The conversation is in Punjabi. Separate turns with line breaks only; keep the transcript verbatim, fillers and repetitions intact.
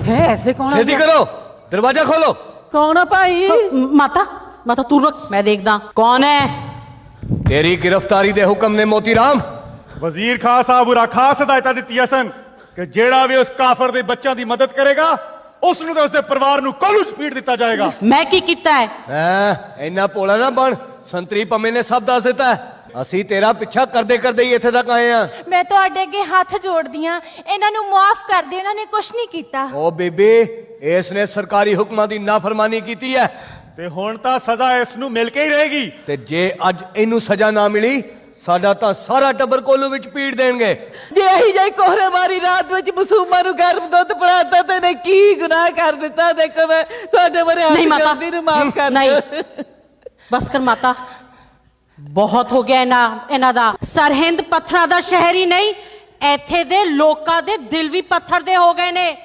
है ऐसे कौन आ
छेती
गया?
करो, दरवाजा खोलो।
कौन है भाई?
माता माता तू रुक, मैं देखदा कौन है।
तेरी गिरफ्तारी दे हुक्म ने मोतीराम।
वजीर खान साहब उरा खास हिदायतां दित्तियां सन कि जेड़ा भी उस काफर दे बच्चों की मदद करेगा उसनूं ते उसदे परिवार नूं कोलू च पीट दिता जाएगा।
मैं की कीता है?
हैं, इन्ना भोला ना बन, संतरी पम्मे ने सब दस दिता है। ਅਸੀਂ ਤੇਰਾ ਪਿੱਛਾ ਕਰਦੇ ਕਰਦੇ ਹੀ ਇੱਥੇ ਤੱਕ ਆਏ ਆ।
ਮੈਂ ਤੁਹਾਡੇ ਅੱਗੇ ਹੱਥ ਜੋੜਦੀ ਆ, ਇਹਨਾਂ ਨੂੰ ਮਾਫ ਕਰ ਦਿਓ, ਇਹਨਾਂ ਨੇ ਕੁਝ ਨਹੀਂ ਕੀਤਾ।
ਓ ਬੀਬੀ, ਇਸ ਨੇ ਸਰਕਾਰੀ ਹੁਕਮਾਂ ਦੀ ਨਾਫਰਮਾਨੀ ਕੀਤੀ ਹੈ
ਤੇ ਹੁਣ ਤਾਂ ਸਜ਼ਾ ਇਸ ਨੂੰ ਮਿਲ ਕੇ ਹੀ ਰਹੇਗੀ।
ਤੇ ਜੇ ਅੱਜ ਇਹਨੂੰ ਸਜ਼ਾ ਨਾ ਮਿਲੀ ਸਾਡਾ ਤਾਂ ਸਾਰਾ ਟੱਬਰ ਕੋਲੂ ਵਿੱਚ ਪੀੜ ਦੇਣਗੇ।
ਜੇ ਅਹੀ ਜਾਈ ਕੋਹਰੇ ਮਾਰੀ ਰਾਤ ਵਿੱਚ ਮਾਸੂਮਾਂ ਨੂੰ ਗਰਮ ਦੁੱਧ ਪਿਲਾਤਾ ਤੇ ਨੇ ਕੀ ਗੁਨਾਹ ਕਰ ਦਿੱਤਾ। ਦੇਖੋ ਮੈਂ ਤੁਹਾਡੇ ਬਾਰੇ
ਨਹੀਂ ਮਾਤਾ,
ਦੀ ਨੂੰ ਮਾਫ ਕਰ
ਨਹੀਂ
ਦਿਓ।
ਬਸ ਕਰ ਮਾਤਾ, ਬਹੁਤ ਹੋ ਗਿਆ ਇਹਨਾਂ ਇਹਨਾਂ ਦਾ। ਸਰਹਿੰਦ ਪੱਥਰਾਂ ਦਾ ਸ਼ਹਿਰ ਹੀ ਨਹੀਂ, ਇੱਥੇ ਦੇ ਲੋਕਾਂ ਦੇ ਦਿਲ ਵੀ ਪੱਥਰ ਦੇ ਹੋ ਗਏ ਨੇ।